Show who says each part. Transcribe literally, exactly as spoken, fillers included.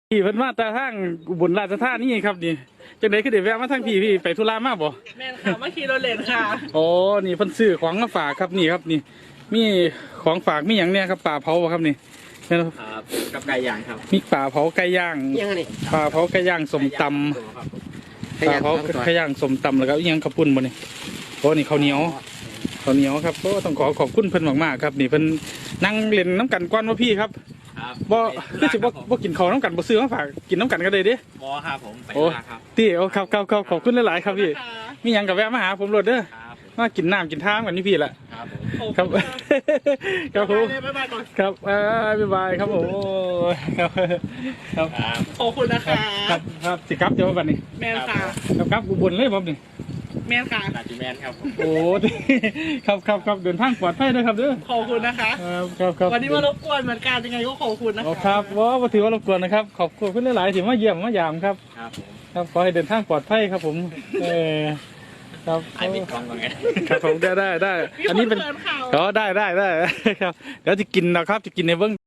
Speaker 1: พี่เพิ่นมาแต่ทางอุบลราชธานีครับนี่จังได๋คือได้แวะมาทางพี่พี่ไปธุระมาบ่
Speaker 2: แม่นค่ะมาขี่รถเล่นค่ะ
Speaker 1: อ๋อนี่เพิ่นซื้อของมาฝากครับนี่ครับนี่มีของฝากมีหยังเนี่ยครับปลาเผาบ่ครับนี่แม่นบ่
Speaker 3: ครับกับไก่ย่างครับ
Speaker 1: มีปลาเผาไก่ย่าง
Speaker 3: ยังไง
Speaker 1: ปลาเผาไก่ย่างสมตำปลาเผาไก่ย่างสมตำแล้วก็อีหยังข้าวปุ้นบ่นี่โอ้นี่ข้าวเหนียวข้าวเหนียวครับโอ้ต้องขอขอบคุณเพิ่นมากๆครับนี่เพิ่นนั่งเล่นน้ำกันก่อนว่าพี่ครับบ่คือสิบ่บ่กินข้าวน้ำกันบ่ซื้อมาฝากกินน้ำกันก็ได้เด้
Speaker 3: บ่ครับผมไปลาครับ
Speaker 1: ตีโอ้ครับครับครับขอบคุณหลายๆครับพี่มีหยังกับแวะมาหาผมรถเด้อมากินน้ำกินท่ากันนี่พี่ละครับครับผมครับบ๊ายบายครับผมครับครับ
Speaker 2: ขอบคุณนะคะ
Speaker 1: ครับครับสิครับเดี๋ยวบัดนี้
Speaker 2: แม่นค่ะ
Speaker 1: ครับครับอุบลเลยผมนี่
Speaker 2: แม่นค่ะ
Speaker 3: นาจิแมนครับ
Speaker 1: โอ้ครับครับครับเดินทางปลอดภัยด้วยครับเด้อ
Speaker 2: ขอบคุณนะคะ
Speaker 1: ครับครับ
Speaker 2: วันนี้มารบกวนเหมือนกันยังไงก็ขอบคุณนะคะ
Speaker 1: ครับว่าถือว่ารบกวนนะครับขอบคุณหลายๆที่มาเยี่ยมมายามครับ
Speaker 3: ครับ
Speaker 1: ครับขอให้เดินทางปลอดภัยครับผมเออครับ
Speaker 3: ไอ้ปิดกล้องก่อนไง
Speaker 1: ครับผมได้ได้ได้อันนี้เป็นอ๋อได้ได้ได้ครับเดี๋ยวจะกินนะครับจะกินในเบื้อง